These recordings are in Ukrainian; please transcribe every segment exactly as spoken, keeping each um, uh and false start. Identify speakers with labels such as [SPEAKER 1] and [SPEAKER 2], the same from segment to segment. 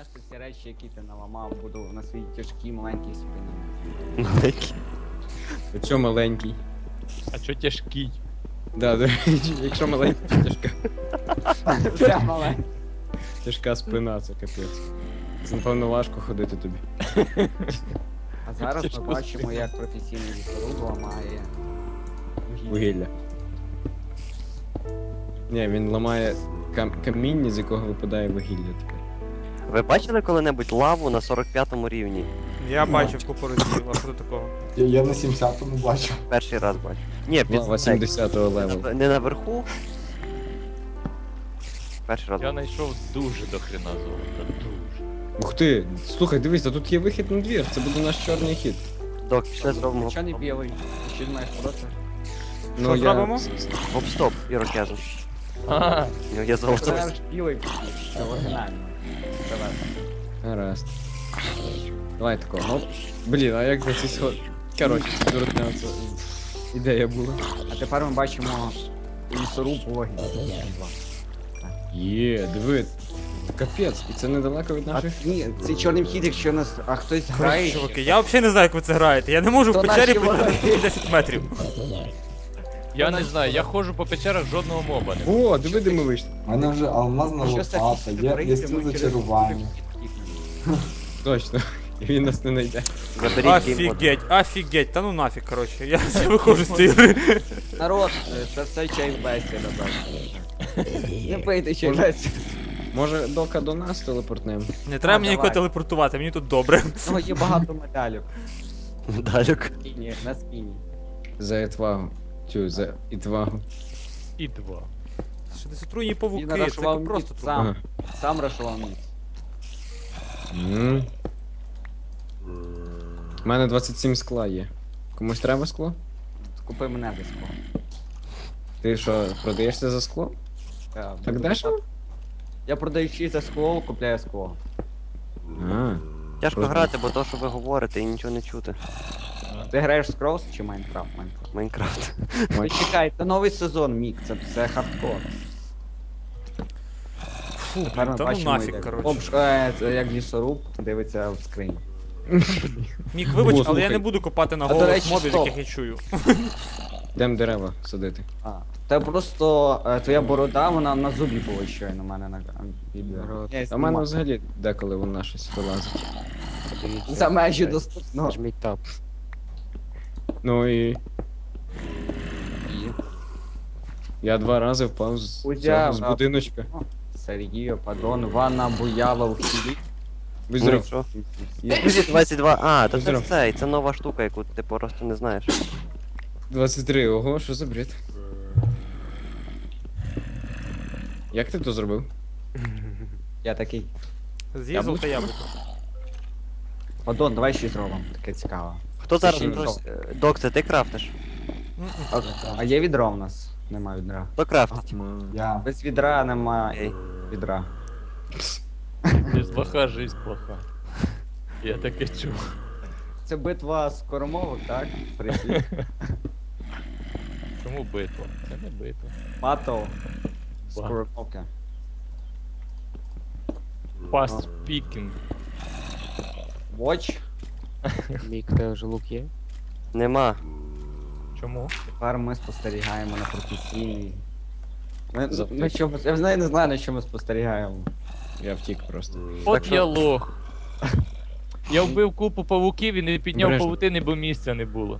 [SPEAKER 1] нести всі речі, які ти наламав, буду на своїй тяжкій маленькій спині.
[SPEAKER 2] Маленький.
[SPEAKER 3] Якщо маленький.
[SPEAKER 4] А чо тяжкий?
[SPEAKER 3] Да, до речі, якщо маленький, то тяжка.
[SPEAKER 1] Все маленьке.
[SPEAKER 3] Тяжка спина, це капець. Це, напевно, важко ходити тобі.
[SPEAKER 1] А зараз
[SPEAKER 4] Тяжко
[SPEAKER 1] ми бачимо,
[SPEAKER 4] спина.
[SPEAKER 1] як професійний лісоруб ламає
[SPEAKER 3] Вугілля. Ні, він ламає кам- каміння, з якого випадає вугілля тепер.
[SPEAKER 2] Ви бачили коли-небудь лаву на сорок п'ятому рівні?
[SPEAKER 5] Я бачив купу разів, а що до такого?
[SPEAKER 6] Я, я на сімдесятому бачу.
[SPEAKER 2] Перший раз бачу. Ні, під
[SPEAKER 3] Лава сімдесятого левелу.
[SPEAKER 2] не наверху. Перший раз.
[SPEAKER 4] Я знайшов дуже до хрена золота, дуже.
[SPEAKER 3] Ух ти, слухай, дивись, а тут є вихід на двір, це буде наш чорний хід.
[SPEAKER 2] Док, пішли зробимо
[SPEAKER 1] Що не білий? Ти що думаєш про це?
[SPEAKER 3] Ну,
[SPEAKER 5] зробимо?
[SPEAKER 2] гоп-стоп, ірокезу.
[SPEAKER 4] А,
[SPEAKER 2] У нього є золото.
[SPEAKER 1] Це ж білий пішов, це оригінально. Давай.
[SPEAKER 3] Гаразд. Давай такого. Оп. Блін, а як за ці сход... Коротше, це дурня, це ідея була.
[SPEAKER 1] А тепер ми бачимо лісоруб вогонь.
[SPEAKER 3] Є, диви. Капець, і це недалеко від
[SPEAKER 1] А
[SPEAKER 3] наших.
[SPEAKER 1] ні, цей чорний вхід, якщо нас, а хтось грає.
[SPEAKER 5] Чуваки, я взагалі не знаю, як ви це граєте. Я не можу в
[SPEAKER 1] То
[SPEAKER 5] печері
[SPEAKER 1] наші
[SPEAKER 5] пройти
[SPEAKER 1] вороги.
[SPEAKER 5] десять метрів.
[SPEAKER 4] я не знаю, я ходжу по печерах, жодного моба не.
[SPEAKER 3] О, диви, де ми вийшли.
[SPEAKER 6] У мене вже алмазна
[SPEAKER 1] Що
[SPEAKER 6] лопата, є, є стіл зачарування.
[SPEAKER 3] Точно. І він нас не знайде.
[SPEAKER 2] Заберіть геймбот.
[SPEAKER 5] Офігеть, офігеть, та ну нафіг, коротше. Я виходжу з цієї гри.
[SPEAKER 1] Народ, е, це все чай бесіда, так. Не пийте чай бесіда.
[SPEAKER 3] Може, дока до нас телепортнемо?
[SPEAKER 5] Не треба мені
[SPEAKER 1] давай.
[SPEAKER 5] нікого телепортувати, мені тут добре.
[SPEAKER 1] Ну, є багато медалів.
[SPEAKER 2] Далек.
[SPEAKER 1] Спіні, на спіні.
[SPEAKER 3] За етвагу. Цю, за ітвагу.
[SPEAKER 4] І два.
[SPEAKER 5] Що десь отруйні
[SPEAKER 1] Він
[SPEAKER 5] павуки, це
[SPEAKER 1] рашував
[SPEAKER 5] просто
[SPEAKER 1] міць
[SPEAKER 5] труп.
[SPEAKER 1] сам. Сам рашував міць.
[SPEAKER 3] М. У мене двадцять сім скла є. Комусь треба скло?
[SPEAKER 1] Купи мене десь.
[SPEAKER 3] Ти що, продаєшся за скло? Так дешево?
[SPEAKER 1] Я продаючи за скло, купляю скло.
[SPEAKER 3] А,
[SPEAKER 2] Тяжко
[SPEAKER 3] Просто.
[SPEAKER 2] грати, бо то, що ви говорите, і нічого не чути.
[SPEAKER 1] Ти граєш в Scrolls чи Майнкрафт? Майнкрафт.
[SPEAKER 2] Майнкрафт.
[SPEAKER 1] Ну чекай, це новий сезон, Мік, це, це хардкор.
[SPEAKER 5] Фу,
[SPEAKER 1] Тепер ми
[SPEAKER 5] та ну
[SPEAKER 1] бачимо,
[SPEAKER 5] нафіг,
[SPEAKER 1] як-
[SPEAKER 5] коротше.
[SPEAKER 1] Обш- е, це як лісоруб дивиться в скрині.
[SPEAKER 5] Мік, вибач,
[SPEAKER 3] О,
[SPEAKER 5] але я
[SPEAKER 3] слухай.
[SPEAKER 5] не буду копати на
[SPEAKER 1] А, до
[SPEAKER 5] голос
[SPEAKER 1] речі,
[SPEAKER 5] мобів,
[SPEAKER 1] стоп.
[SPEAKER 5] яких я чую.
[SPEAKER 3] йдемо дерева садити.
[SPEAKER 1] А, та просто е, твоя борода, вона на зубі була щойно у мене на а, відео. Я
[SPEAKER 3] А в мене
[SPEAKER 1] знімав.
[SPEAKER 3] взагалі деколи вона щось вилазить.
[SPEAKER 1] За межі доступно.
[SPEAKER 2] Жміть тап.
[SPEAKER 3] Ну і. Я два рази впав з,
[SPEAKER 1] Узяв,
[SPEAKER 3] цього, з
[SPEAKER 1] а-
[SPEAKER 3] будиночка.
[SPEAKER 1] Сергію, падон, ванна буяла в хілі.
[SPEAKER 3] Будь
[SPEAKER 2] Ну і
[SPEAKER 3] здоров.
[SPEAKER 2] що? двадцять два. А, то це
[SPEAKER 3] Здоров.
[SPEAKER 2] цей, це нова штука, яку ти просто не знаєш.
[SPEAKER 3] двадцять три, ого, що за бред? Як ти то зробив?
[SPEAKER 1] Я такий.
[SPEAKER 5] З'їв золоте яблуко.
[SPEAKER 1] Падон, давай ще зробимо, таке цікаво.
[SPEAKER 2] Хто зараз?
[SPEAKER 1] Ще й
[SPEAKER 2] хтось- е, Док, це ти крафтиш?
[SPEAKER 1] А, а є відро в нас? Нема відра.
[SPEAKER 2] Хто крафтить?
[SPEAKER 6] Я.
[SPEAKER 1] Без відра нема
[SPEAKER 2] Окей.
[SPEAKER 1] відра.
[SPEAKER 4] Без плоха жизнь плоха. Я таке чув.
[SPEAKER 1] Це битва скоромовок, так? Прийшли.
[SPEAKER 4] Чому битва? Це не битва.
[SPEAKER 1] Батл. Скоромовки.
[SPEAKER 4] Fast speaking.
[SPEAKER 1] Watch.
[SPEAKER 7] Мік вже лук є?
[SPEAKER 2] Нема.
[SPEAKER 4] Чому?
[SPEAKER 1] Тепер ми спостерігаємо на професійний. Ми,
[SPEAKER 3] Завтик.
[SPEAKER 1] на що ми, я знаю, не знаю, на що ми спостерігаємо.
[SPEAKER 3] Я втік просто.
[SPEAKER 4] От
[SPEAKER 2] що-
[SPEAKER 4] я лох. Я вбив купу павуків і не підняв
[SPEAKER 3] Обережно.
[SPEAKER 4] павутини, бо місця не було.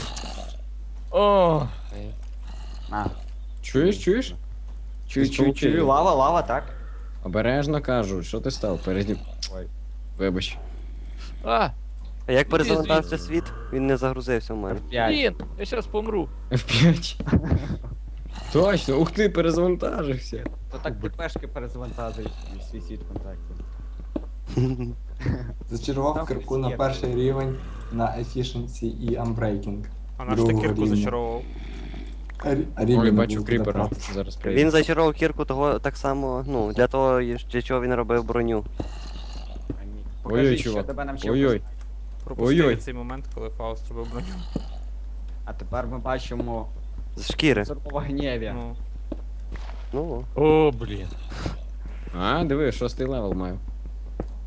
[SPEAKER 4] О,
[SPEAKER 1] А,
[SPEAKER 3] Чуєш, чуєш?
[SPEAKER 1] чую,
[SPEAKER 3] З
[SPEAKER 1] чую,
[SPEAKER 3] павуків.
[SPEAKER 1] чую, лава, лава, так?
[SPEAKER 3] Обережно кажу, що ти став переді.
[SPEAKER 1] Ой.
[SPEAKER 3] Вибач.
[SPEAKER 4] а,
[SPEAKER 2] А як перезавантажився світ? Він не загрузився в мене.
[SPEAKER 1] П'ять.
[SPEAKER 4] блін, я зараз помру.
[SPEAKER 3] еф п'ять. Точно, ух ти, перезавантажився.
[SPEAKER 1] То так ти пешки перезавантажуєш свій світ контактів.
[SPEAKER 6] Зачарував
[SPEAKER 1] Там
[SPEAKER 6] кирку на
[SPEAKER 1] є.
[SPEAKER 6] перший рівень на Efficiency і Unbreaking.
[SPEAKER 5] А наш ти
[SPEAKER 6] Другого
[SPEAKER 5] кірку
[SPEAKER 6] рівня.
[SPEAKER 5] зачаровував.
[SPEAKER 6] А рі- а рівень
[SPEAKER 3] Ой,
[SPEAKER 6] не
[SPEAKER 3] бачу
[SPEAKER 6] був
[SPEAKER 3] кріпера.
[SPEAKER 6] додатку.
[SPEAKER 3] Зараз прийде.
[SPEAKER 2] Він зачарував кірку того так само, ну, для того, для чого він робив броню.
[SPEAKER 1] Покажи,
[SPEAKER 3] Ой-ой,
[SPEAKER 1] що
[SPEAKER 3] чувак.
[SPEAKER 1] тебе навчив.
[SPEAKER 3] Ой-ой.
[SPEAKER 5] Пропустив
[SPEAKER 3] Ой-ой.
[SPEAKER 5] цей момент, коли Фауст робив броню.
[SPEAKER 1] А тепер ми бачимо
[SPEAKER 2] З шкіри.
[SPEAKER 1] Зорова гнєві.
[SPEAKER 5] Ну,
[SPEAKER 2] Ну,
[SPEAKER 4] О, блін.
[SPEAKER 3] А, диви, шостий левел маю.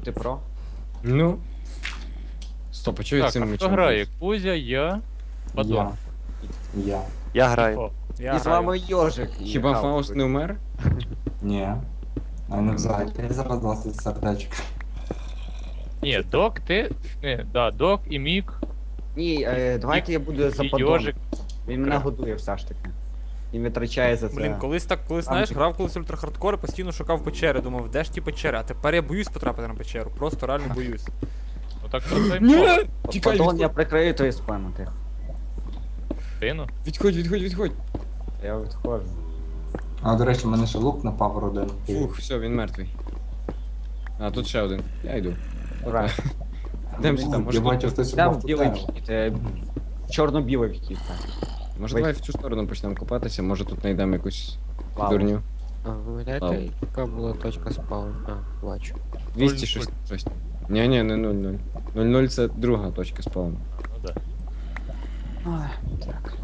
[SPEAKER 1] Ти про?
[SPEAKER 3] Ну. Стоп, а чого я
[SPEAKER 4] Так,
[SPEAKER 3] цим
[SPEAKER 4] а хто
[SPEAKER 3] мечом?
[SPEAKER 4] грає? Кузя, я, Падон.
[SPEAKER 6] Я. Я.
[SPEAKER 2] Я граю.
[SPEAKER 4] О,
[SPEAKER 5] Я
[SPEAKER 1] І з вами Йожик. і
[SPEAKER 3] Хіба
[SPEAKER 1] Халк.
[SPEAKER 3] Фауст не вмер?
[SPEAKER 6] Ні. А не взагалі зараз двадцять сердечок.
[SPEAKER 4] ні, Док, ти. Не, да, Док і Мік,
[SPEAKER 1] Ні, е, давайте я буду за
[SPEAKER 4] і
[SPEAKER 1] подон.
[SPEAKER 4] Йожик.
[SPEAKER 1] Він мене годує все ж таки. І витрачає за це.
[SPEAKER 5] Блін, колись так, колись
[SPEAKER 1] Там
[SPEAKER 5] знаєш,
[SPEAKER 1] ті-
[SPEAKER 5] грав колись ультрахардкор і постійно шукав печери, думав, де ж ті печери, а тепер я боюсь потрапити на печеру, просто реально боюсь.
[SPEAKER 4] Ну так про це й
[SPEAKER 3] Ні!
[SPEAKER 4] мова.
[SPEAKER 3] Тікай,
[SPEAKER 1] Подон я
[SPEAKER 3] відходь,
[SPEAKER 1] прикрию твою спину, тихо.
[SPEAKER 4] Тину.
[SPEAKER 3] відходь, відходь, відходь.
[SPEAKER 1] Я відходжу.
[SPEAKER 6] А, до речі, в мене ще лук на Power один.
[SPEAKER 3] Фух, все, він мертвий. А, тут ще один. Я йду.
[SPEAKER 1] Ура.
[SPEAKER 3] Йдемо сюди,
[SPEAKER 6] Я
[SPEAKER 3] може,
[SPEAKER 6] бачу,
[SPEAKER 3] тут...
[SPEAKER 6] хтось
[SPEAKER 1] Там
[SPEAKER 6] упав
[SPEAKER 1] білий
[SPEAKER 6] тут.
[SPEAKER 1] вхід, е, чорно-білий вхід, так.
[SPEAKER 3] може
[SPEAKER 1] Вий-
[SPEAKER 3] давай в цю сторону почнемо копатися, може тут знайдемо якусь
[SPEAKER 1] Лаву.
[SPEAKER 3] дурню.
[SPEAKER 7] А, ви пам'ятаєте,
[SPEAKER 3] Лаву.
[SPEAKER 7] яка була точка спаун? А, бачу.
[SPEAKER 3] двісті щось. щось. Ні, ні, не нуль нуль. нуль нуль це друга точка спавну.
[SPEAKER 4] Ну да.
[SPEAKER 1] Ой, так.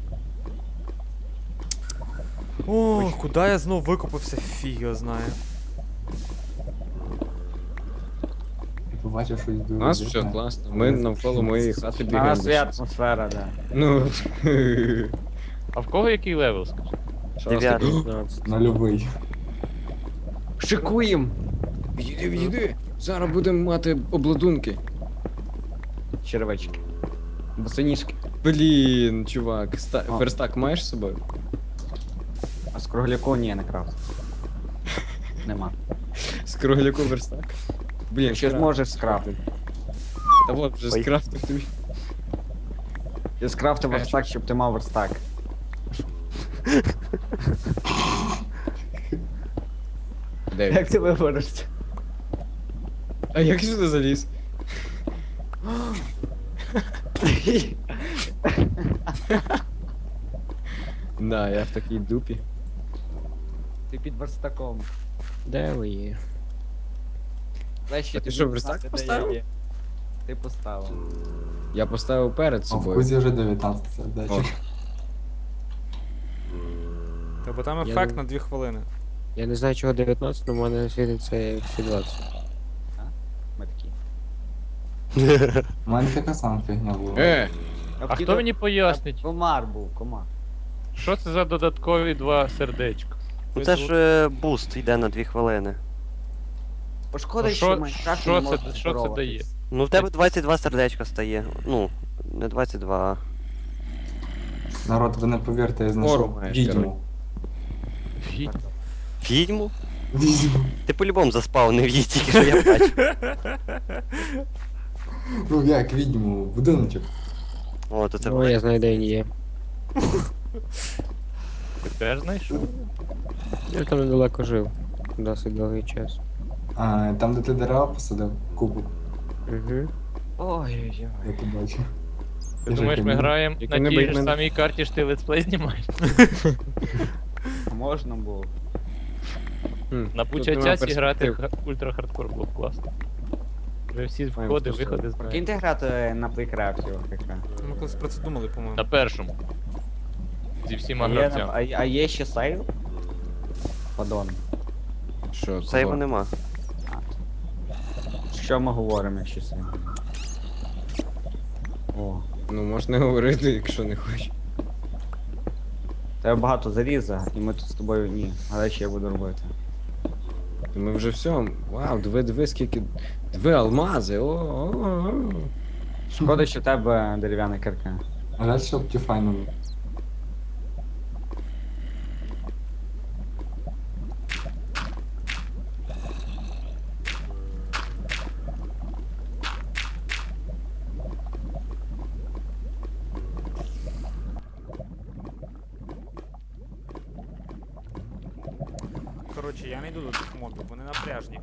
[SPEAKER 5] О, куди я знов викопався, фіг його знає.
[SPEAKER 6] Я побачив щось дуже.
[SPEAKER 3] У нас все класно. Ми навколо моєї хати
[SPEAKER 1] У
[SPEAKER 3] бігаємо.
[SPEAKER 1] нас є атмосфера, да.
[SPEAKER 3] Ну.
[SPEAKER 4] А в кого який левел, скажи?
[SPEAKER 3] Шостий.
[SPEAKER 2] Дев'ятий.
[SPEAKER 7] п'ятнадцять.
[SPEAKER 6] Нульовий.
[SPEAKER 1] Шикуєм!
[SPEAKER 3] Відійди, відійди. Зараз будемо мати обладунки.
[SPEAKER 1] Червячки. Босоніжки.
[SPEAKER 3] Блін, чувак, ста...
[SPEAKER 1] А.
[SPEAKER 3] верстак маєш з собою?
[SPEAKER 1] А з кругляку ні, не крафт. Нема.
[SPEAKER 3] З кругляку верстак? Блін,
[SPEAKER 1] Ще
[SPEAKER 3] скрафт.
[SPEAKER 1] зможеш скрафтити.
[SPEAKER 3] Та от вже
[SPEAKER 2] Ой.
[SPEAKER 3] скрафтив тобі.
[SPEAKER 1] Ти скрафтив верстак, щоб ти мав верстак.
[SPEAKER 3] Де він?
[SPEAKER 1] Як ти виберешся?
[SPEAKER 3] А як сюди заліз? Да, я в такій дупі.
[SPEAKER 1] Ти під верстаком.
[SPEAKER 7] Де ви є?
[SPEAKER 1] Дай ще
[SPEAKER 3] А ти
[SPEAKER 1] тобі
[SPEAKER 3] що, верстак
[SPEAKER 1] знати, де
[SPEAKER 3] поставив?
[SPEAKER 1] я є. Ти поставив.
[SPEAKER 3] Я поставив перед
[SPEAKER 6] А в
[SPEAKER 3] собою.
[SPEAKER 6] Кузі вже дев'ятнадцять сердечок.
[SPEAKER 5] Та бо там
[SPEAKER 7] Я
[SPEAKER 5] ефект
[SPEAKER 7] не-
[SPEAKER 5] на дві хвилини.
[SPEAKER 7] Я не знаю, чого дев'ятнадцять, але в мене світиться як всі двадцять.
[SPEAKER 1] Ми такі.
[SPEAKER 6] У мене така сама фігня була.
[SPEAKER 3] Е!
[SPEAKER 4] А хто мені пояснить,
[SPEAKER 1] Комар був, комар.
[SPEAKER 4] що це за додаткові два сердечка?
[SPEAKER 2] Ну це ж е, буст йде на дві хвилини.
[SPEAKER 1] Пошкода,
[SPEAKER 4] Ну,
[SPEAKER 1] що
[SPEAKER 4] що-
[SPEAKER 1] в Майнкрафті
[SPEAKER 4] що
[SPEAKER 1] не
[SPEAKER 4] це-
[SPEAKER 1] можна
[SPEAKER 4] що це
[SPEAKER 1] здороватись.
[SPEAKER 4] дає?
[SPEAKER 2] Ну в тебе двадцять два сердечка стає. Ну, не двадцять два,
[SPEAKER 6] Народ, ви не повірте, я
[SPEAKER 3] Ору
[SPEAKER 6] знайшов
[SPEAKER 3] маєш,
[SPEAKER 6] відьму.
[SPEAKER 4] Фі-
[SPEAKER 2] а. Відьму?
[SPEAKER 6] Відьму.
[SPEAKER 2] Ти по-любому заспавнив її, тільки що я бачу.
[SPEAKER 6] Ну як відьму, будиночок.
[SPEAKER 2] О, то це
[SPEAKER 7] Ну, я знаю, де він є.
[SPEAKER 4] Ти теж знайшов?
[SPEAKER 7] Я там недалеко жив. Досить довгий час.
[SPEAKER 6] А, там, де ти дерева посадив, кубу,
[SPEAKER 7] Угу.
[SPEAKER 1] Ой-ой-ой.
[SPEAKER 6] я побачив.
[SPEAKER 4] Ти
[SPEAKER 6] Я
[SPEAKER 4] думаєш,
[SPEAKER 6] ж
[SPEAKER 4] ми
[SPEAKER 6] як
[SPEAKER 4] граємо
[SPEAKER 3] Як
[SPEAKER 4] на
[SPEAKER 3] вони
[SPEAKER 4] тій
[SPEAKER 3] б
[SPEAKER 4] ж
[SPEAKER 3] мене-
[SPEAKER 4] самій карті, що ти летсплей знімаєш?
[SPEAKER 1] А можна було.
[SPEAKER 3] Хм,
[SPEAKER 4] На
[SPEAKER 3] тут
[SPEAKER 4] пуча
[SPEAKER 3] нема
[SPEAKER 4] часі грати
[SPEAKER 3] перспектив.
[SPEAKER 4] в ультра хардкор було б класно. Вже всі
[SPEAKER 3] Маємо
[SPEAKER 4] входи,
[SPEAKER 3] просто-
[SPEAKER 4] виходи знаємо.
[SPEAKER 1] Прикиньте грати на плейкрафті, ОКК.
[SPEAKER 5] Ми колись про це думали, по-моєму.
[SPEAKER 4] На першому. Зі всіма
[SPEAKER 1] А є, на-
[SPEAKER 4] гравцями.
[SPEAKER 1] а, а є ще сейв? Падон.
[SPEAKER 3] Що,
[SPEAKER 2] Сейву
[SPEAKER 3] кого?
[SPEAKER 2] нема.
[SPEAKER 1] Що ми говоримо, якщо сейв? О.
[SPEAKER 3] Ну можна говорити, якщо не хочеш.
[SPEAKER 1] Тебе багато заріза, і ми тут з тобою ні. Але що я буду робити?
[SPEAKER 3] То Ми вже все. Вау, диви, диви, скільки. Диви алмази. О, о, о.
[SPEAKER 1] Шкода, що в тебе дерев'яна кирка.
[SPEAKER 6] Жаль, що Optifine.
[SPEAKER 5] Коротше, я не йду до цих мобів, вони напряжні.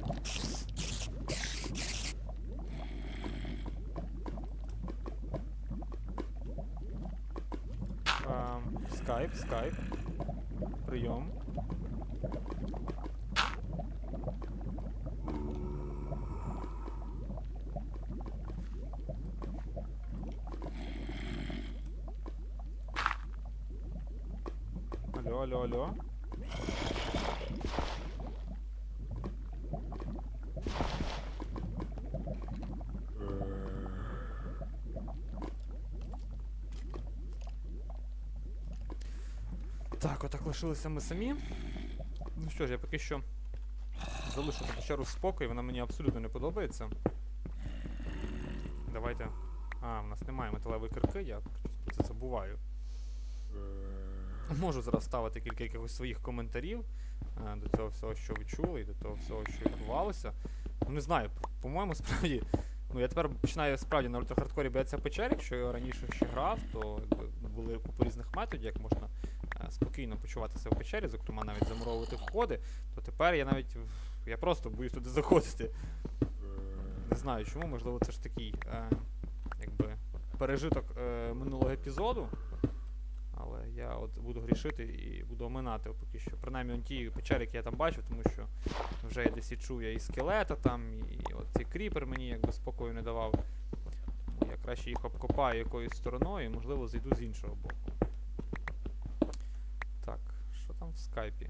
[SPEAKER 5] Ем, Скайп, скайп. Прийом. Алло, алло, алло. Так, отак лишилися ми самі. Ну що ж, я поки що залишу ту печеру в спокій, вона мені абсолютно не подобається. Давайте. А, в нас немає металевої кирки, я про це забуваю. Можу зараз ставити кілька якихось своїх коментарів е, до цього всього, що ви чули, і до того всього, що відбувалося. Ну не знаю, по- по-моєму, справді. Ну я тепер починаю справді на ультрахардкорі боятися печер, якщо я раніше ще грав, то якби, були купа різних методів, як можна е, спокійно почуватися в печері, зокрема навіть замуровувати входи, то тепер я навіть в- я просто боюсь туди заходити. Не знаю чому, можливо, це ж такий е, якби пережиток е, минулого епізоду. Але я от буду грішити і буду оминати поки що. Принаймні он ті печери, які я там бачив, тому що вже я десь і чув я і скелета там, і от цей кріпер мені якби спокою не давав. Тому я краще їх обкопаю якоюсь стороною і, можливо, зайду з іншого боку. Так, що там в скайпі?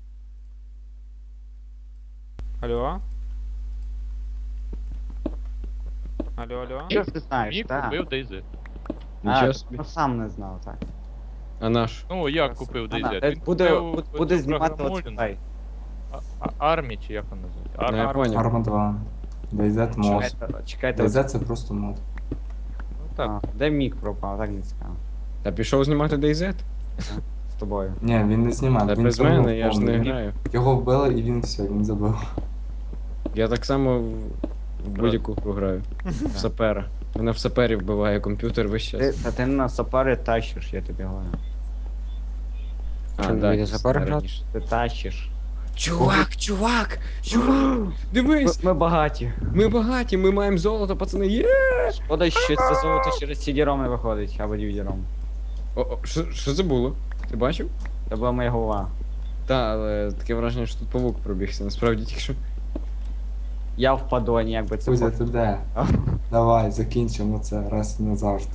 [SPEAKER 5] Алло? Алло, алло?
[SPEAKER 1] Що ти знаєш,
[SPEAKER 4] Мій
[SPEAKER 1] так?
[SPEAKER 4] купив DayZ.
[SPEAKER 1] А,
[SPEAKER 7] Нічого
[SPEAKER 1] ти
[SPEAKER 7] собі.
[SPEAKER 1] ну, сам не знав, так.
[SPEAKER 7] А наш?
[SPEAKER 4] Ну, як
[SPEAKER 5] Красиво.
[SPEAKER 4] купив
[SPEAKER 1] Ана,
[SPEAKER 4] DayZ?
[SPEAKER 1] та
[SPEAKER 4] Він
[SPEAKER 1] буде,
[SPEAKER 4] купив
[SPEAKER 1] буде,
[SPEAKER 4] оцю
[SPEAKER 1] буде знімати
[SPEAKER 4] програму
[SPEAKER 1] от
[SPEAKER 4] Molin.
[SPEAKER 1] цей.
[SPEAKER 4] А- а- Армі, чи як вона називається?
[SPEAKER 7] Ну, я
[SPEAKER 4] Армі.
[SPEAKER 7] понял.
[SPEAKER 6] Арма два. DayZ мод.
[SPEAKER 1] Чекайте, чекайте.
[SPEAKER 6] DayZ це просто мод.
[SPEAKER 4] Ну, так.
[SPEAKER 1] А, де мік пропав, так не цікаво.
[SPEAKER 7] Та пішов знімати DayZ?
[SPEAKER 1] З тобою.
[SPEAKER 6] Ні, він не знімає,
[SPEAKER 7] Та
[SPEAKER 6] він
[SPEAKER 7] без
[SPEAKER 6] забив
[SPEAKER 7] мене, я ж не
[SPEAKER 6] повний.
[SPEAKER 7] граю.
[SPEAKER 6] Його вбили і він все, він забив.
[SPEAKER 7] Я так само в, в будь-яку гру граю. В сапера. Мене в сапері вбиває комп'ютер весь
[SPEAKER 1] Ти,
[SPEAKER 7] час.
[SPEAKER 1] та ти на сапари тащиш, я тобі говорю.
[SPEAKER 7] А, Що, да, будете сапер грати?
[SPEAKER 1] Ти тащиш.
[SPEAKER 7] Чувак, чувак, чувак!
[SPEAKER 1] Ми,
[SPEAKER 7] Дивись!
[SPEAKER 1] ми багаті.
[SPEAKER 7] Ми багаті, ми маємо золото, пацани, є!
[SPEAKER 1] Шкода, що це золото через сі ді ром не виходить, або ді ві ді ром.
[SPEAKER 7] О, о, що, що це було? Ти бачив?
[SPEAKER 1] Це була моя голова.
[SPEAKER 7] Та, але таке враження, що тут павук пробігся, насправді тільки що.
[SPEAKER 1] Я в падоні, якби це
[SPEAKER 6] Кузя,
[SPEAKER 1] було.
[SPEAKER 6] ти де? Давай, закінчимо це раз і назавжди.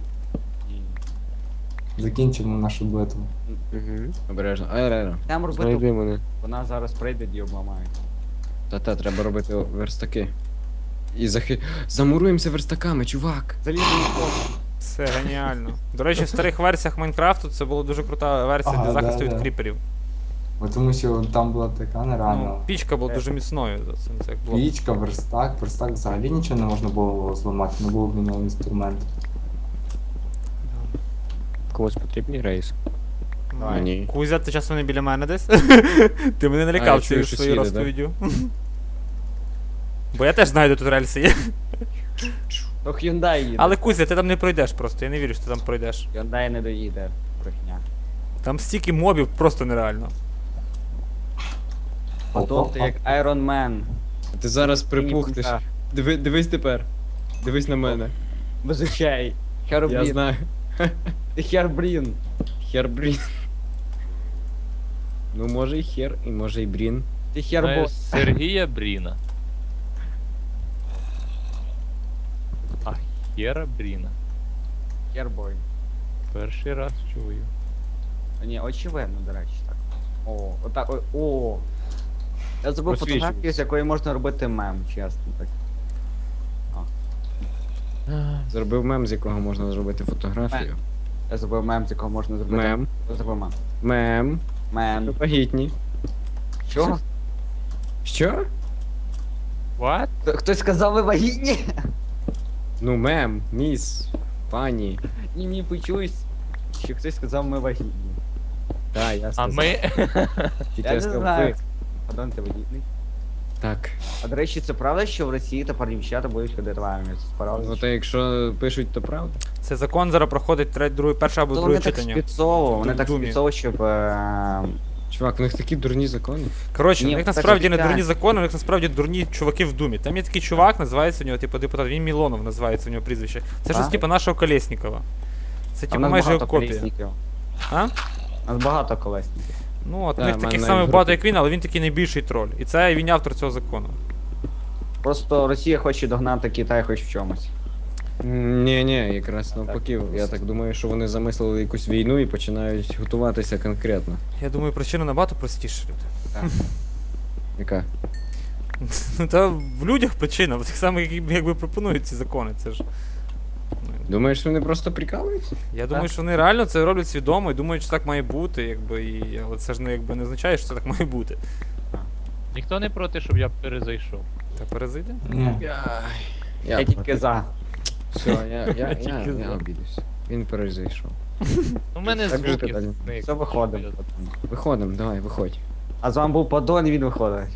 [SPEAKER 6] Закінчимо нашу битву.
[SPEAKER 7] Угу. Обережно. Айрера.
[SPEAKER 1] Там робити,
[SPEAKER 7] Знайди мене.
[SPEAKER 1] вона зараз прийде і обламають.
[SPEAKER 7] Та-та, треба робити верстаки. І захи... Замуруємося верстаками, чувак!
[SPEAKER 1] Залізний кop.
[SPEAKER 5] Це геніально. До речі, в старих версіях Майнкрафту це була дуже крута версія
[SPEAKER 6] Ага,
[SPEAKER 5] для захисту
[SPEAKER 6] да,
[SPEAKER 5] від
[SPEAKER 6] да.
[SPEAKER 5] кріперів.
[SPEAKER 6] Бо тому що там була така
[SPEAKER 5] Ну,
[SPEAKER 6] нереальна
[SPEAKER 5] пічка була дуже міцною за цим, це як було.
[SPEAKER 6] пічка, верстак. Верстак взагалі нічого не можна було зламати, не було в нього інструменту.
[SPEAKER 7] Комусь потрібні рейс?
[SPEAKER 1] Давай.
[SPEAKER 7] Ні.
[SPEAKER 5] Кузя, ти часом не біля мене десь? Ти мене
[SPEAKER 7] А,
[SPEAKER 5] налякав
[SPEAKER 7] я чую,
[SPEAKER 5] цією
[SPEAKER 7] що
[SPEAKER 5] своєю
[SPEAKER 7] сіде, да?
[SPEAKER 5] розповіддю. Бо я теж знаю, де тут рельси є.
[SPEAKER 1] То Hyundai їде.
[SPEAKER 5] Але Кузя, ти там не пройдеш просто, я не вірю, що ти там пройдеш.
[SPEAKER 1] Hyundai не доїде. Брехня.
[SPEAKER 5] Там стільки мобів просто нереально.
[SPEAKER 1] Потім ти як Iron Man.
[SPEAKER 7] Ти зараз припухнеш.
[SPEAKER 1] Ні,
[SPEAKER 7] Диви, дивись тепер. Дивись на мене.
[SPEAKER 1] без очей.
[SPEAKER 7] Я
[SPEAKER 1] Херблін.
[SPEAKER 7] знаю.
[SPEAKER 1] Ти Херблін.
[SPEAKER 7] Хербрін. Ну може і хер, і може і брін.
[SPEAKER 1] Ти
[SPEAKER 4] Знаю
[SPEAKER 1] Хербо.
[SPEAKER 4] Сергія Бріна. А Хера Бріна.
[SPEAKER 1] Хербой.
[SPEAKER 4] Перший раз чую.
[SPEAKER 1] Ні, очевидно, до речі, так. О, отак, о, о. Я зробив
[SPEAKER 7] Просвічуй.
[SPEAKER 1] фотографію, з якої можна робити мем, чесно так.
[SPEAKER 7] Зробив мем, з якого можна зробити фотографію.
[SPEAKER 1] Я зробив мем, з якого можна зробити.
[SPEAKER 7] Мем.
[SPEAKER 1] Я зробив мем.
[SPEAKER 7] Мем.
[SPEAKER 1] Мем.
[SPEAKER 7] Вагітні.
[SPEAKER 1] Що?
[SPEAKER 7] Що?
[SPEAKER 4] What?
[SPEAKER 1] Хто- Хтось сказав, ви вагітні?
[SPEAKER 7] Ну мем, міс, пані.
[SPEAKER 1] Ні, мені почулось, що хтось сказав, ми вагітні.
[SPEAKER 7] Так, я
[SPEAKER 4] А
[SPEAKER 7] сказав.
[SPEAKER 4] ми.
[SPEAKER 7] Тільки
[SPEAKER 1] Я не
[SPEAKER 7] сказав
[SPEAKER 1] знаю.
[SPEAKER 7] ви.
[SPEAKER 1] Падон, ти вагітний.
[SPEAKER 7] Так.
[SPEAKER 1] А до речі, це правда, що в Росії тепер дівчата будуть ходити в армію? Це правда?
[SPEAKER 7] Ну то якщо пишуть, то правда.
[SPEAKER 5] Це закон зараз проходить третє, друге, перше або
[SPEAKER 1] То
[SPEAKER 5] друге
[SPEAKER 1] вони так
[SPEAKER 5] читання.
[SPEAKER 1] спецово, вони
[SPEAKER 5] В
[SPEAKER 1] так
[SPEAKER 5] Думі.
[SPEAKER 1] спецово, щоб... е,
[SPEAKER 7] Чувак, у них такі дурні закони.
[SPEAKER 5] Коротше,
[SPEAKER 1] Ні,
[SPEAKER 5] у них
[SPEAKER 1] так
[SPEAKER 5] насправді не
[SPEAKER 1] обіцяють.
[SPEAKER 5] дурні закони, у них насправді дурні чуваки в думі. Там є такий чувак, називається у нього, типу, депутат, він Мілонов називається у нього прізвище. Це щось
[SPEAKER 1] А?
[SPEAKER 5] типу нашого Колєснікова. Це
[SPEAKER 1] А в
[SPEAKER 5] типу
[SPEAKER 1] нас
[SPEAKER 5] майже
[SPEAKER 1] багато
[SPEAKER 5] його копія.
[SPEAKER 1] колесників.
[SPEAKER 5] А?
[SPEAKER 1] У нас багато колесників.
[SPEAKER 5] Ну, от у
[SPEAKER 7] Да,
[SPEAKER 5] них
[SPEAKER 7] в
[SPEAKER 5] таких
[SPEAKER 7] мене
[SPEAKER 5] самих
[SPEAKER 7] навіть
[SPEAKER 5] багато,
[SPEAKER 7] групи.
[SPEAKER 5] як він, але він такий найбільший троль. І це він автор цього закону.
[SPEAKER 1] Просто Росія хоче догнати Китай хоч в чомусь.
[SPEAKER 7] Ні, ні, якраз навпаки. Я так думаю, що вони замислили якусь війну і починають готуватися конкретно.
[SPEAKER 5] Я думаю, причина набагато простіша, люди.
[SPEAKER 7] Яка?
[SPEAKER 5] Ну та в людях причина, в тих самих, які якби пропонують ці закони. Це ж. Ну,
[SPEAKER 7] Думаєш, вони просто прикалуються?
[SPEAKER 5] Я думаю, що вони реально це роблять свідомо і думають, що так має бути, якби, і... але це ж не, якби, не означає, що це так має бути.
[SPEAKER 4] Ніхто не проти, щоб я перезайшов.
[SPEAKER 5] Та перезайди.
[SPEAKER 6] Ні.
[SPEAKER 1] Я тільки за.
[SPEAKER 7] Все, я, я, я,
[SPEAKER 4] Тільки
[SPEAKER 7] я,
[SPEAKER 4] за.
[SPEAKER 7] обідався. Він перезайшов.
[SPEAKER 4] У мене
[SPEAKER 7] Так же
[SPEAKER 4] звуки
[SPEAKER 7] ти, Даня.
[SPEAKER 4] зникли.
[SPEAKER 1] Все виходимо.
[SPEAKER 7] Виходимо, давай, виходь.
[SPEAKER 1] А з вами був Падон, і він виходить.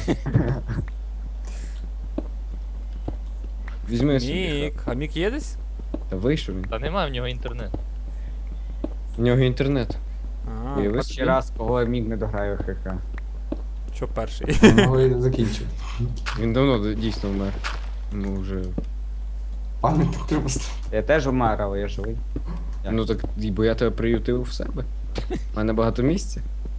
[SPEAKER 7] Візьми собі.
[SPEAKER 5] Мік. А Мік є десь?
[SPEAKER 7] Та вийшов він.
[SPEAKER 4] Та нема в нього інтернету.
[SPEAKER 7] У нього інтернет.
[SPEAKER 5] А,
[SPEAKER 7] Уяви
[SPEAKER 1] Перший
[SPEAKER 7] собі.
[SPEAKER 1] раз, кого міг не дограю ХК.
[SPEAKER 5] що перший?
[SPEAKER 6] Його і закінчив.
[SPEAKER 7] Він давно дійсно вмер. Ну вже.
[SPEAKER 6] Пам'ятник треба ставити.
[SPEAKER 1] Я теж вмер, але я живий. Як?
[SPEAKER 7] Ну так, і бо я тебе приютив в себе. У мене багато місця.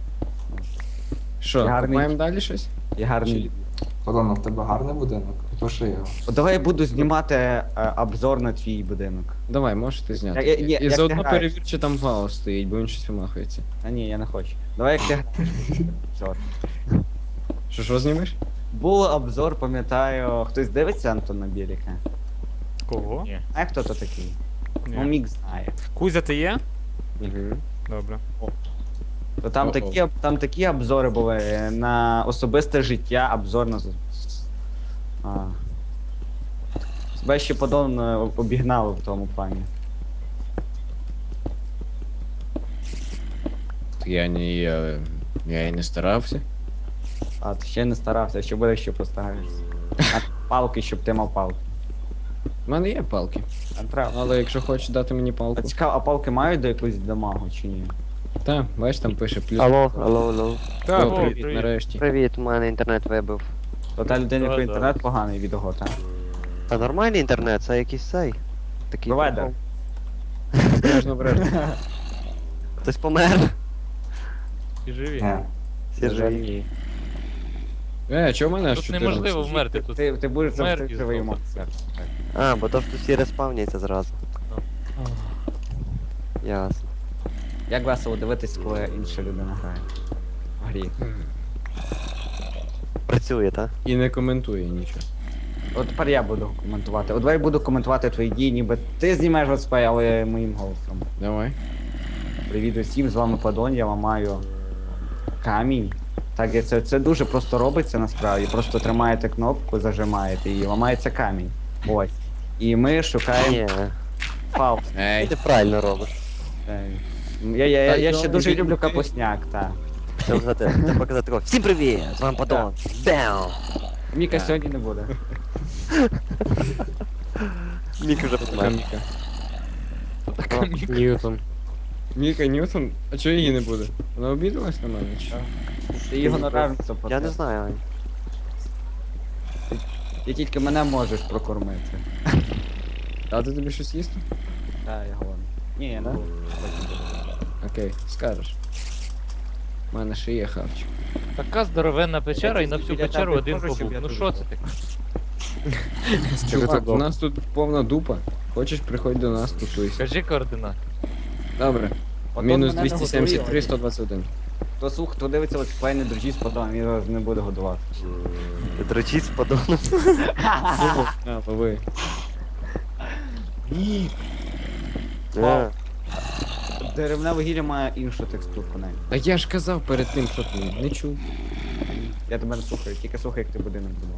[SPEAKER 7] Що,
[SPEAKER 1] Гарний.
[SPEAKER 7] купаємо далі щось?
[SPEAKER 1] Я гарний.
[SPEAKER 6] Подон, в тебе гарний будинок? Пиши його.
[SPEAKER 1] О, давай я буду знімати е, обзор на твій будинок.
[SPEAKER 7] Давай, можете зняти.
[SPEAKER 1] Я- я- я-
[SPEAKER 7] і
[SPEAKER 1] як
[SPEAKER 7] заодно
[SPEAKER 1] ти граєш?
[SPEAKER 7] перевір, чи там вау стоїть, бо він щось вимахується.
[SPEAKER 1] А ні, я не хочу. Давай як ти граєш. Обзор.
[SPEAKER 7] Що, що знімеш?
[SPEAKER 1] Був обзор, пам'ятаю, хтось дивиться Антон на Біліка?
[SPEAKER 5] Кого?
[SPEAKER 4] Ні.
[SPEAKER 1] Знає, хто то такий? Ну,
[SPEAKER 5] Ні.
[SPEAKER 1] Мік знає.
[SPEAKER 5] Кузя, ти є?
[SPEAKER 7] Угу.
[SPEAKER 5] Добре.
[SPEAKER 1] То там,
[SPEAKER 7] О-о.
[SPEAKER 1] такі, об- там такі обзори були е, на особисте життя, обзор на. з- А. Тебе ще Падон е, обігнали в тому плані.
[SPEAKER 7] Я не. Я, я і не старався.
[SPEAKER 1] А, ти ще не старався, ще буде, що постараєшся. А палки, щоб ти мав палки.
[SPEAKER 7] У мене є палки.
[SPEAKER 1] А, правда.
[SPEAKER 7] Але якщо хочеш дати мені
[SPEAKER 1] А
[SPEAKER 7] палку.
[SPEAKER 1] цікаво, а палки мають до якогось дамагу чи ні?
[SPEAKER 7] Та, бачиш, там пише плюс.
[SPEAKER 2] Алло, алло, алло.
[SPEAKER 5] Так,
[SPEAKER 7] О,
[SPEAKER 4] О,
[SPEAKER 7] привіт,
[SPEAKER 4] привіт.
[SPEAKER 7] нарешті.
[SPEAKER 2] Привіт, у мене інтернет вибив.
[SPEAKER 1] То та людина, якої
[SPEAKER 4] Да, да.
[SPEAKER 1] інтернет поганий від його, так?
[SPEAKER 2] Та нормальний інтернет, це якийсь цей. Такий.
[SPEAKER 1] Провайдер.
[SPEAKER 2] прикол.
[SPEAKER 7] Обережно, обережно.
[SPEAKER 2] Хтось помер.
[SPEAKER 4] Ти живі.
[SPEAKER 6] Ні.
[SPEAKER 2] Всі живі.
[SPEAKER 7] Е, чого в мене аж
[SPEAKER 4] Тут
[SPEAKER 7] чотирнадцять?
[SPEAKER 4] неможливо вмерти, тут
[SPEAKER 1] Ти, ти будеш завжди
[SPEAKER 4] смерть
[SPEAKER 1] живий
[SPEAKER 4] із
[SPEAKER 1] монстр.
[SPEAKER 2] А, бо то ж тут всі респавняться зразу. Ясно.
[SPEAKER 1] Як весело дивитись, коли інша людина грає. В грі.
[SPEAKER 2] Працює, так?
[SPEAKER 7] І не коментує нічого.
[SPEAKER 1] От тепер я буду коментувати. От давай буду коментувати твої дії, ніби ти знімаєш летсплей, але моїм голосом.
[SPEAKER 7] Давай.
[SPEAKER 1] Привіт усім, з вами Падон, я ламаю камінь. Так, і це, це дуже просто робиться насправді. Просто тримаєте кнопку, зажимаєте і ламається камінь. Ось. І ми шукаємо
[SPEAKER 2] Ні,
[SPEAKER 1] фаус.
[SPEAKER 7] Ей.
[SPEAKER 2] ти правильно робиш.
[SPEAKER 1] Е, Я, я, я,
[SPEAKER 7] Так,
[SPEAKER 1] я ще
[SPEAKER 7] добре,
[SPEAKER 1] дуже
[SPEAKER 7] ти-
[SPEAKER 1] люблю
[SPEAKER 7] ти-
[SPEAKER 1] капусняк, так.
[SPEAKER 2] Треба казати, треба казати такого. Всім привіт! З вами Падон. Бам!
[SPEAKER 1] Міка
[SPEAKER 7] Так.
[SPEAKER 1] сьогодні не буде.
[SPEAKER 2] Мік уже
[SPEAKER 7] Така
[SPEAKER 2] помер.
[SPEAKER 7] Міка.
[SPEAKER 2] О, Ньютон.
[SPEAKER 7] Міка Ньютон? А чого її не буде? Вона обідалась на мене? Чи? що?
[SPEAKER 1] Ти його наражниця
[SPEAKER 2] Я не знаю, Ань.
[SPEAKER 1] Ти тільки мене можеш прокормити.
[SPEAKER 7] Дати тобі щось їсти?
[SPEAKER 1] Так, я голодний. Ні, я не
[SPEAKER 7] Да?
[SPEAKER 1] буду.
[SPEAKER 7] Окей, скажеш. У мене ще є хавчик.
[SPEAKER 4] Така здоровенна печера і на всю
[SPEAKER 1] Біля
[SPEAKER 4] печеру
[SPEAKER 1] тебе
[SPEAKER 4] один
[SPEAKER 1] можу, щоб
[SPEAKER 4] побув.
[SPEAKER 1] я
[SPEAKER 4] Ну
[SPEAKER 1] тут
[SPEAKER 4] що
[SPEAKER 1] був?
[SPEAKER 4] це таке?
[SPEAKER 7] Чувак, у нас тут повна дупа. Хочеш, приходь до нас, тусуйся.
[SPEAKER 4] Кажи координати.
[SPEAKER 7] Добре.
[SPEAKER 1] От
[SPEAKER 7] Мінус
[SPEAKER 1] мене не
[SPEAKER 7] двісті сімдесят три,
[SPEAKER 1] готує.
[SPEAKER 7] сто двадцять один.
[SPEAKER 1] Хто слух, хто дивиться летсплей, не дружіть з Падоном, він вас не буде годувати.
[SPEAKER 2] Дрочить з Падоном.
[SPEAKER 7] А, лови.
[SPEAKER 2] Е,
[SPEAKER 1] Деревне вугілля має іншу текстурку навіть.
[SPEAKER 7] Та я ж казав перед тим, що ти не чув.
[SPEAKER 1] Я тебе не слухаю, тільки слухай, як ти будинок будував.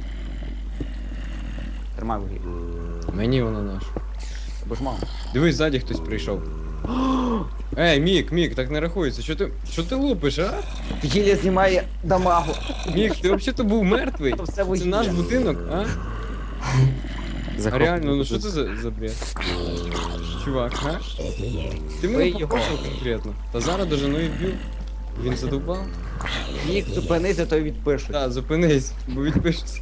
[SPEAKER 1] Тримай вугілля.
[SPEAKER 7] Мені воно наш.
[SPEAKER 1] Бо ж мало.
[SPEAKER 7] Дивись, ззаді хтось прийшов. Ей, Мік, Мік, так не рахується. Що ти, що ти лупиш, а?
[SPEAKER 1] Вугілля знімає дамагу.
[SPEAKER 7] Мік, ти взагалі був мертвий.
[SPEAKER 1] Це все
[SPEAKER 7] Це
[SPEAKER 1] вугілля.
[SPEAKER 7] наш будинок, а? А
[SPEAKER 2] захоп-
[SPEAKER 7] реально, ну що це за, за бред? Чувак, а? Ти мене
[SPEAKER 1] Бий його.
[SPEAKER 7] покошив конкретно. Та зараз дожену і б'ю. Він задовбав?
[SPEAKER 1] Мік, зупинися, то й відпишуть.
[SPEAKER 7] Так, зупинись, бо відпишеться.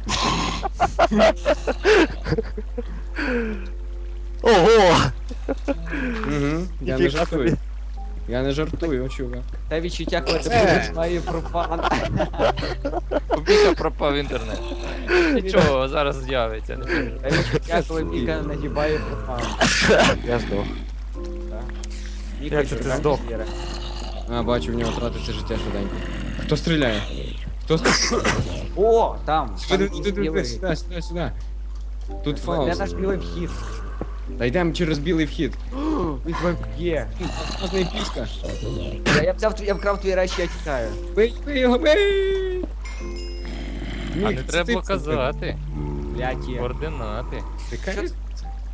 [SPEAKER 2] Ого!
[SPEAKER 7] Угу, я не
[SPEAKER 2] Ніфіга
[SPEAKER 7] жартую.
[SPEAKER 2] собі.
[SPEAKER 7] Я не жартую, чувак.
[SPEAKER 1] Те відчуття, коли ти
[SPEAKER 7] Е.
[SPEAKER 1] будеш має профан.
[SPEAKER 4] У Міка пропав інтернет. Нічого, зараз з'явиться, не переживай.
[SPEAKER 1] Те відчуття, коли Міка нагибає профан.
[SPEAKER 2] Я здох.
[SPEAKER 1] Міка,
[SPEAKER 5] Як це ти
[SPEAKER 1] чекай,
[SPEAKER 5] здох?
[SPEAKER 1] Віра.
[SPEAKER 7] А, бачу, в нього тратиться життя швиденько. Хто стріляє? Хто стріляє?
[SPEAKER 1] О, там.
[SPEAKER 7] Сюди,
[SPEAKER 1] там
[SPEAKER 7] сюди,
[SPEAKER 1] білий.
[SPEAKER 7] сюди, сюди, сюди. Тут
[SPEAKER 1] Де
[SPEAKER 7] Фауст.
[SPEAKER 1] наш білий вхід?
[SPEAKER 7] Та йдемо через білий вхід.
[SPEAKER 1] Він тебе б'є.
[SPEAKER 7] Класний піска.
[SPEAKER 1] Я, я взяв, твій- я вкрав твої речі, я тікаю.
[SPEAKER 7] Бий, бий його, бий!
[SPEAKER 4] А
[SPEAKER 7] Мік,
[SPEAKER 4] не
[SPEAKER 7] це
[SPEAKER 4] треба
[SPEAKER 7] ти
[SPEAKER 4] було
[SPEAKER 7] це
[SPEAKER 4] казати.
[SPEAKER 1] Блядь, є.
[SPEAKER 4] Координати.
[SPEAKER 7] зробив. Яка різниця?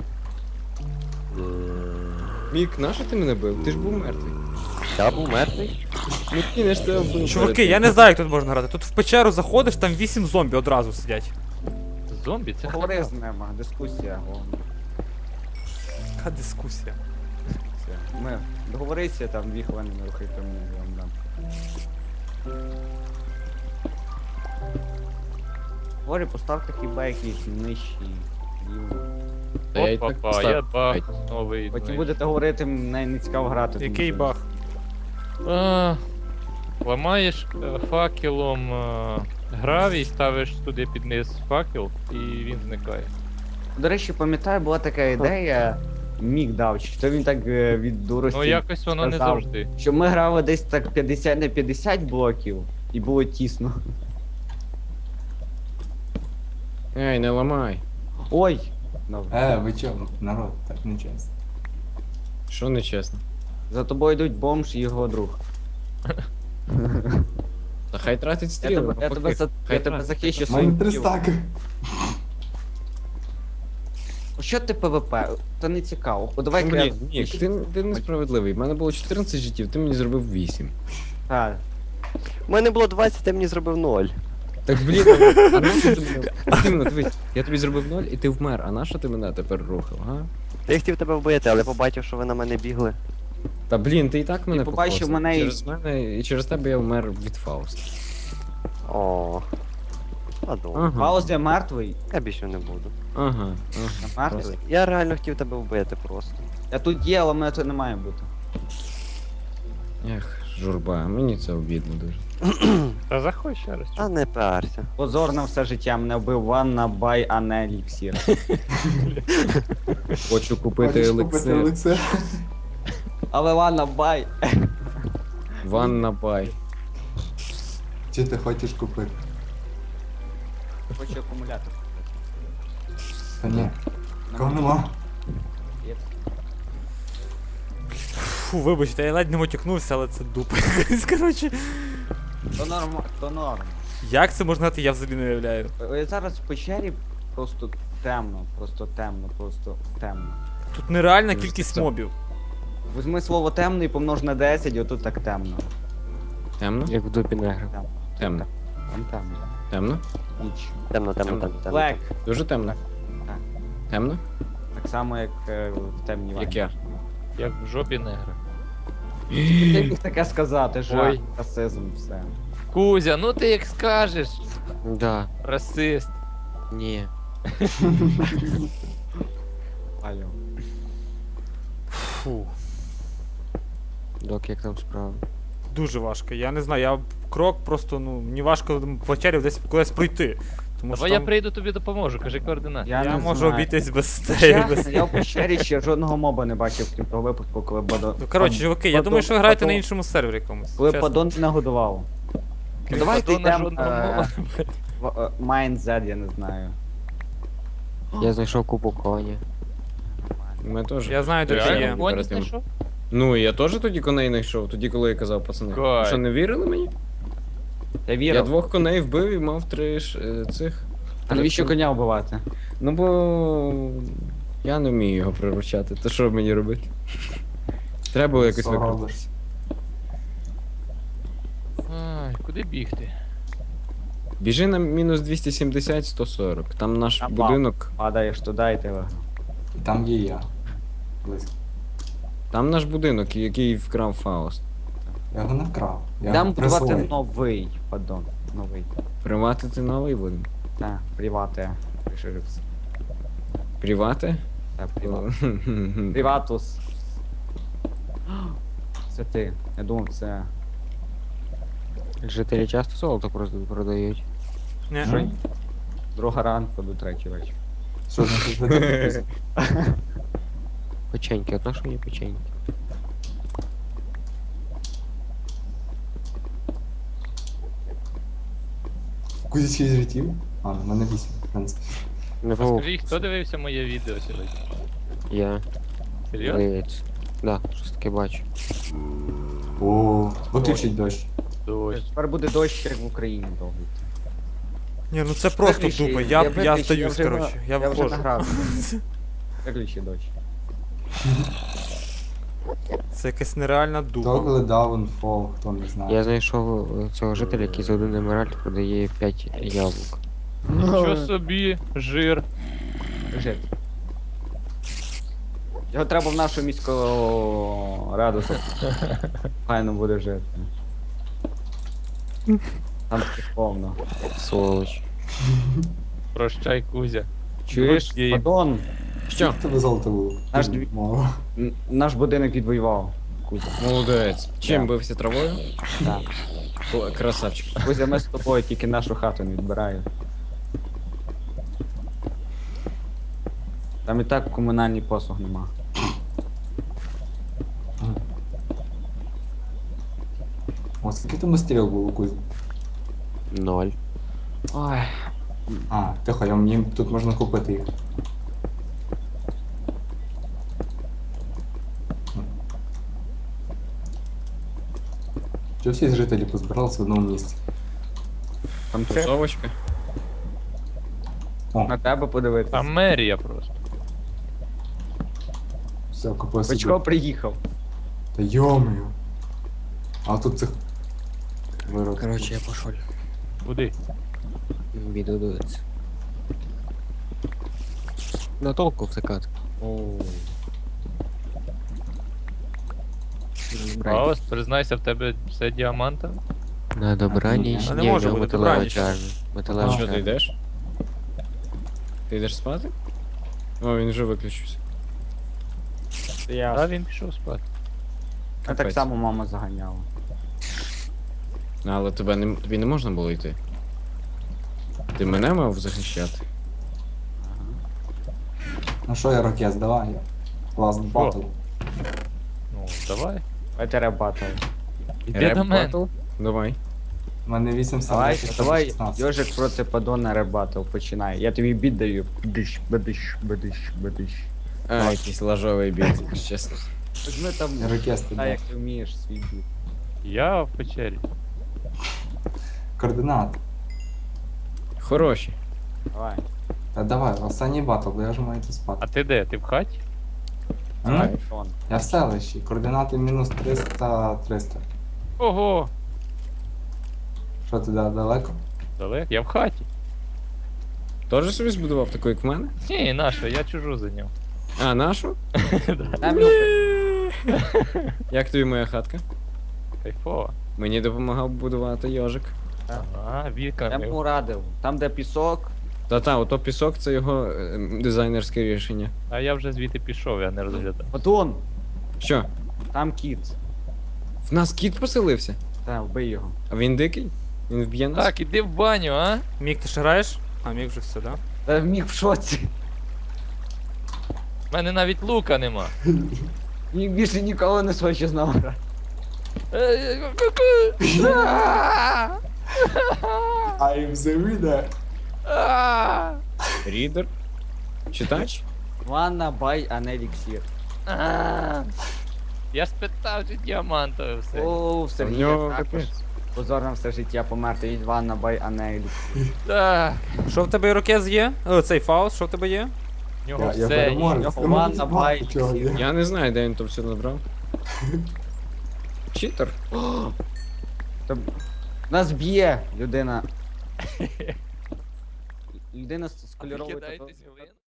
[SPEAKER 7] Мік, нащо ти мене бив? Ти ж був мертвий.
[SPEAKER 2] Я був мертвий.
[SPEAKER 7] Ну ти не ж тебе вбив.
[SPEAKER 5] Чуваки, я не знаю, як тут можна грати. Тут в печеру заходиш, там вісім зомбі одразу сидять.
[SPEAKER 4] Зомбі це
[SPEAKER 1] Поговори
[SPEAKER 4] хата.
[SPEAKER 1] з ними, дискусія. О,
[SPEAKER 5] Яка дискусія.
[SPEAKER 1] все. Ми договорися там дві хвилини не рухай по мені, я вам дам. Говорю, поставте хіба якісь нижчі рівні.
[SPEAKER 7] Та я і так
[SPEAKER 4] Опа,
[SPEAKER 7] поставив.
[SPEAKER 4] я баг новий.
[SPEAKER 1] Потім
[SPEAKER 4] ну,
[SPEAKER 1] будете говорити, мені не цікаво грати. тому
[SPEAKER 5] Який
[SPEAKER 1] що-
[SPEAKER 5] баг?
[SPEAKER 4] А, ламаєш е, факелом е, гравій, ставиш туди під низ факел і він зникає.
[SPEAKER 1] До речі, пам'ятаю, була така ідея, Мік дав, що він так е, від дурості.
[SPEAKER 4] Ну якось воно не
[SPEAKER 1] сказав,
[SPEAKER 4] завжди.
[SPEAKER 1] Що ми грали десь так п'ятдесят на п'ятдесят блоків, і було тісно.
[SPEAKER 7] Ей, не ламай.
[SPEAKER 1] Ой! Добре.
[SPEAKER 6] Е, ви чого, народ, так не чесно.
[SPEAKER 7] Що нечесно?
[SPEAKER 1] За тобою йдуть бомж і його друг.
[SPEAKER 7] Та хай тратить
[SPEAKER 1] Я
[SPEAKER 7] стріли.
[SPEAKER 1] тебе, я
[SPEAKER 7] навпаки.
[SPEAKER 1] тебе, за,
[SPEAKER 7] Хай
[SPEAKER 1] я тебе
[SPEAKER 7] тратить.
[SPEAKER 1] захищу
[SPEAKER 6] У мене
[SPEAKER 1] своїм
[SPEAKER 6] три
[SPEAKER 1] тілом.
[SPEAKER 6] стаки.
[SPEAKER 1] Що ти ПВП? Та не цікаво. О, давай
[SPEAKER 7] Ну,
[SPEAKER 1] я...
[SPEAKER 7] блін, Мік, ти, ти несправедливий. У мене було чотирнадцять життів, ти мені зробив вісім.
[SPEAKER 1] А,
[SPEAKER 2] У мене було двадцять, ти мені зробив ноль.
[SPEAKER 7] Так блін, а нащо ти мене? От іменно, дивись, я тобі зробив ноль і ти вмер, а нащо ти мене тепер рухав, а?
[SPEAKER 2] Я хотів тебе вбити, але побачив, що ви на мене бігли.
[SPEAKER 7] Та блін, ти і так мене
[SPEAKER 1] побачив
[SPEAKER 7] покоцав.
[SPEAKER 1] мене і-
[SPEAKER 7] Через мене і через тебе я вмер від Фауста.
[SPEAKER 2] О. А добре.
[SPEAKER 7] Ага,
[SPEAKER 1] Пауза мертвий.
[SPEAKER 2] Я більше не буду.
[SPEAKER 7] ага, ага.
[SPEAKER 1] Мертвий.
[SPEAKER 2] Я реально хотів тебе вбити просто.
[SPEAKER 1] Я тут є, але мене це не має бути.
[SPEAKER 7] Ех, журба, мені це обідно дуже.
[SPEAKER 4] Та заходь ще раз.
[SPEAKER 2] А не парся.
[SPEAKER 1] Позор на все життя, мене вбив Ванна Бай, а не еліксір.
[SPEAKER 7] Хочу купити
[SPEAKER 6] Хочеш купити
[SPEAKER 7] елексир.
[SPEAKER 6] елексир?
[SPEAKER 1] Але Ванна Бай.
[SPEAKER 7] Ванна бай.
[SPEAKER 6] Чи ти хочеш купити?
[SPEAKER 1] Хочу акумулятор.
[SPEAKER 6] Та ні. Кого нема?
[SPEAKER 1] Є.
[SPEAKER 5] Фу, вибачте, я ледь не мотикнувся, але це дупа. Коротше,
[SPEAKER 1] То норм, то норм.
[SPEAKER 5] як це можна грати, я взагалі не уявляю.
[SPEAKER 1] Е, Зараз в печері просто темно, просто темно, просто темно.
[SPEAKER 5] Тут нереальна
[SPEAKER 7] Дуже
[SPEAKER 5] кількість
[SPEAKER 7] це-
[SPEAKER 5] мобів.
[SPEAKER 1] Візьми слово темно і помнож на десять, і отут так темно.
[SPEAKER 7] Темно?
[SPEAKER 2] Як в дупі негра.
[SPEAKER 1] Темно.
[SPEAKER 7] Темно.
[SPEAKER 1] Там темно.
[SPEAKER 7] Темно?
[SPEAKER 1] Ніч.
[SPEAKER 2] Темно, темно, темно, темно.
[SPEAKER 1] Блек.
[SPEAKER 7] Дуже темно.
[SPEAKER 1] Так.
[SPEAKER 7] Темно?
[SPEAKER 1] Так само, як е, в темній ванні.
[SPEAKER 7] Як я.
[SPEAKER 4] Як в жопі негра.
[SPEAKER 1] Ти міг таке сказати, жах,
[SPEAKER 4] Ой.
[SPEAKER 1] расизм, все.
[SPEAKER 4] Кузя, ну ти як скажеш.
[SPEAKER 2] Да.
[SPEAKER 4] Расист.
[SPEAKER 2] Ні.
[SPEAKER 1] Алло.
[SPEAKER 5] Фу.
[SPEAKER 2] Док, як там справа?
[SPEAKER 5] Дуже важко. Я не знаю, я крок просто, ну, мені важко в печері десь кудись пройти. Тому
[SPEAKER 4] Давай
[SPEAKER 5] що
[SPEAKER 4] я
[SPEAKER 5] там...
[SPEAKER 4] прийду тобі допоможу, кажи координати.
[SPEAKER 1] Я,
[SPEAKER 5] Я
[SPEAKER 1] не
[SPEAKER 5] можу
[SPEAKER 1] знаю.
[SPEAKER 5] обійтись без цієї.
[SPEAKER 1] Чесно,
[SPEAKER 5] Без...
[SPEAKER 1] я в печері ще жодного моба не бачив, крім того випадку, коли Бадон...
[SPEAKER 5] Ну, коротше, чуваки, я
[SPEAKER 1] Падон-
[SPEAKER 5] думаю, що ви граєте на
[SPEAKER 1] Падон-
[SPEAKER 5] іншому сервері якомусь.
[SPEAKER 1] Коли
[SPEAKER 5] чесно.
[SPEAKER 1] Падон не годував.
[SPEAKER 4] Крім
[SPEAKER 1] Давайте
[SPEAKER 4] Падона
[SPEAKER 1] йдемо
[SPEAKER 4] жодного
[SPEAKER 1] е,
[SPEAKER 4] мова.
[SPEAKER 1] в е, Mind Z, я не знаю.
[SPEAKER 2] Я знайшов купу коні.
[SPEAKER 7] Ми теж.
[SPEAKER 5] Я знаю, де ти
[SPEAKER 4] Реально,
[SPEAKER 5] є.
[SPEAKER 7] Реально?
[SPEAKER 4] коні
[SPEAKER 7] Перед тим.
[SPEAKER 4] знайшов?
[SPEAKER 7] Ну, я теж тоді коней знайшов, тоді коли я казав, пацани.
[SPEAKER 4] Кай.
[SPEAKER 7] Ви що, не вірили мені?
[SPEAKER 1] Я
[SPEAKER 7] Я
[SPEAKER 1] вірив.
[SPEAKER 7] двох коней вбив і мав три ж, е, цих.
[SPEAKER 1] А навіщо коня вбивати?
[SPEAKER 7] Ну бо я не вмію його приручати. То що мені робити? Треба було якось викрутити.
[SPEAKER 6] Соробиш.
[SPEAKER 4] Ай, куди бігти?
[SPEAKER 7] Біжи на мінус двісті сімдесят сто сорок. Там наш
[SPEAKER 1] Там
[SPEAKER 7] будинок.
[SPEAKER 1] Падаєш туди і ти виграв.
[SPEAKER 6] І там є я. Близько.
[SPEAKER 7] Там наш будинок, який вкрав Фауст.
[SPEAKER 6] Я його не вкрав. Я
[SPEAKER 1] Дам
[SPEAKER 6] його
[SPEAKER 1] будувати
[SPEAKER 6] присвоїв.
[SPEAKER 1] новий Падон. Новий.
[SPEAKER 7] Приватити новий будинок.
[SPEAKER 1] Так, привати. Приширився.
[SPEAKER 7] Привати?
[SPEAKER 1] Так, приват. Приватус. Це ти. Я думав, це.
[SPEAKER 2] Жителі часто золото просто продають.
[SPEAKER 5] Ні.
[SPEAKER 6] Що?
[SPEAKER 1] Друга ранку до третій вечір.
[SPEAKER 6] Що значить за це?
[SPEAKER 2] Печеньки, одна що мені печеньки.
[SPEAKER 6] Кузі шість життів? А, в мене вісім, в принципі.
[SPEAKER 2] Не
[SPEAKER 4] Скажи, хто дивився моє відео сьогодні?
[SPEAKER 8] Я.
[SPEAKER 4] Серйозно?
[SPEAKER 8] Здається. Да, щось таке бачу.
[SPEAKER 6] О, виключить дощ.
[SPEAKER 4] Дощ.
[SPEAKER 1] Тепер буде дощ, як в Україні довгий.
[SPEAKER 5] Ні, ну це просто
[SPEAKER 1] Виключи,
[SPEAKER 5] тупо. Я, я,
[SPEAKER 1] виключу,
[SPEAKER 5] стаюсь,
[SPEAKER 1] вже
[SPEAKER 5] коротше.
[SPEAKER 1] на-
[SPEAKER 5] Я,
[SPEAKER 1] Я вже
[SPEAKER 5] виходжу.
[SPEAKER 1] награв. Виключи дощ.
[SPEAKER 5] Це якась нереальна дупа.
[SPEAKER 6] Toggle Downfall, хто не знає.
[SPEAKER 8] Я знайшов е, цього жителя, який за один емеральд продає п'ять яблук.
[SPEAKER 4] Нічого собі, жир.
[SPEAKER 1] Жит. Його треба в нашу міську раду, щоб файно буде жити. Там таких повно.
[SPEAKER 8] Сволоч.
[SPEAKER 4] Прощай, Кузя.
[SPEAKER 1] Чуєш,
[SPEAKER 4] Good game.
[SPEAKER 1] Падон,
[SPEAKER 3] Що?
[SPEAKER 6] В тебе золото було.
[SPEAKER 1] Наш дві-
[SPEAKER 6] Мало.
[SPEAKER 1] н- наш будинок відвоював. Кузя.
[SPEAKER 3] Молодець. Чим
[SPEAKER 1] Да.
[SPEAKER 3] бився травою?
[SPEAKER 1] Так.
[SPEAKER 3] О, красавчик.
[SPEAKER 1] Кузя, ми з тобою тільки нашу хату не відбираємо. Там і так комунальний послуг нема.
[SPEAKER 6] О, скільки там стріл було, Кузя?
[SPEAKER 8] Ноль.
[SPEAKER 1] Ой.
[SPEAKER 6] А, тихо, я- мені тут можна купити їх. Що всі жителі позбиралися в одному місці?
[SPEAKER 1] Там це
[SPEAKER 3] Тусовочка.
[SPEAKER 6] О,
[SPEAKER 1] на тебе подивитися.
[SPEAKER 4] Там мерія просто.
[SPEAKER 6] все, купив собі.
[SPEAKER 1] Бачко приїхав.
[SPEAKER 6] Та йомою. А тут цих вирок.
[SPEAKER 8] Короче, я пошел.
[SPEAKER 4] Куди?
[SPEAKER 8] Біду дивиться. На толку втикати.
[SPEAKER 4] А ось, признайся, в тебе все діаманта?
[SPEAKER 8] На добраніч.
[SPEAKER 5] А не
[SPEAKER 8] Ні,
[SPEAKER 5] може
[SPEAKER 8] в нього
[SPEAKER 5] бути
[SPEAKER 8] металева
[SPEAKER 5] добраніч.
[SPEAKER 8] чарня. Металева
[SPEAKER 3] Що, ти
[SPEAKER 8] чарня.
[SPEAKER 3] йдеш? Ти йдеш спати? О, він вже виключився.
[SPEAKER 4] А
[SPEAKER 1] Я,
[SPEAKER 4] він пішов спати.
[SPEAKER 1] а так
[SPEAKER 3] Капець.
[SPEAKER 1] само мама заганяла.
[SPEAKER 3] Ну, але тебе не, тобі не можна було йти. Ти мене мав захищати.
[SPEAKER 6] Ну що, Ірокез, давай. Last battle.
[SPEAKER 4] Ну, давай.
[SPEAKER 1] Давайте батл.
[SPEAKER 4] Іди
[SPEAKER 3] Реп
[SPEAKER 4] до мене.
[SPEAKER 3] батл? Давай.
[SPEAKER 6] У мене вісім
[SPEAKER 1] Давай,
[SPEAKER 6] сердець,
[SPEAKER 1] давай,
[SPEAKER 6] шістнадцять.
[SPEAKER 1] Йожик проти Падона ребатл починай. Я тобі біт даю. Бдиш, бдиш, бдиш, бдиш.
[SPEAKER 3] А, якийсь лажовий біт, якщо чесно.
[SPEAKER 1] Візьми там,
[SPEAKER 6] Ірокез, ти
[SPEAKER 1] та
[SPEAKER 6] де?
[SPEAKER 1] як ти вмієш свій біт.
[SPEAKER 4] Я в печері.
[SPEAKER 6] Координати.
[SPEAKER 3] Хороші.
[SPEAKER 1] Давай.
[SPEAKER 6] Та давай, останній батл, бо я вже маю йти
[SPEAKER 4] А
[SPEAKER 6] спати.
[SPEAKER 4] ти де? Ти в хаті?
[SPEAKER 6] М?
[SPEAKER 3] Кайф.
[SPEAKER 1] Падон.
[SPEAKER 6] Я в селищі, координати мінус триста, триста.
[SPEAKER 4] Ого!
[SPEAKER 6] Що ти да- далеко?
[SPEAKER 4] Далеко? Я в хаті.
[SPEAKER 3] Тоже собі збудував таку, як в мене?
[SPEAKER 4] Ні, наша, я чужу зайняв.
[SPEAKER 3] А, нашу?
[SPEAKER 1] Там його
[SPEAKER 3] Як тобі моя хатка?
[SPEAKER 4] Кайфово.
[SPEAKER 3] Мені допомагав будувати йожик.
[SPEAKER 4] Ага,
[SPEAKER 1] я
[SPEAKER 4] вікна.
[SPEAKER 1] йому радив. Там, де пісок,
[SPEAKER 3] Та-та, ото пісок це його е, дизайнерське рішення.
[SPEAKER 4] А я вже звідти пішов, я не розглядав.
[SPEAKER 1] Падон,
[SPEAKER 3] Що?
[SPEAKER 1] там кіт.
[SPEAKER 3] В нас кіт поселився?
[SPEAKER 1] Та, вбий його.
[SPEAKER 3] А він дикий? Він вб'є нас?
[SPEAKER 4] Так, іди в баню, а?
[SPEAKER 5] Мік, ти ще граєш? А, Мік вже все, да?
[SPEAKER 1] Та міг в шоці.
[SPEAKER 4] У мене навіть лука нема.
[SPEAKER 1] Міг більше ніколи не хоче з нами грати.
[SPEAKER 6] I'm the winner.
[SPEAKER 3] Рідер? Читач?
[SPEAKER 1] Wanna buy an elixir.
[SPEAKER 4] Я ж спитав, чи діамантове все.
[SPEAKER 1] О, в
[SPEAKER 3] В
[SPEAKER 1] Сергія
[SPEAKER 3] нього
[SPEAKER 1] також.
[SPEAKER 3] капець.
[SPEAKER 1] Позор на все життя померти від Wanna buy an elixir.
[SPEAKER 4] Так,
[SPEAKER 5] Що в тебе Ірокез є? О, цей фаус, що в тебе є?
[SPEAKER 4] в нього
[SPEAKER 6] Я, я
[SPEAKER 4] все є.
[SPEAKER 6] переможець.
[SPEAKER 1] Його
[SPEAKER 6] Ти можеш
[SPEAKER 1] ванна
[SPEAKER 6] знати,
[SPEAKER 1] бай-
[SPEAKER 6] чого є.
[SPEAKER 3] Я не знаю, де він то все набрав. Читер?
[SPEAKER 1] Та нас б'є людина. Людина з з кольоровою
[SPEAKER 4] Викидайтесь,
[SPEAKER 1] тату-
[SPEAKER 4] блін.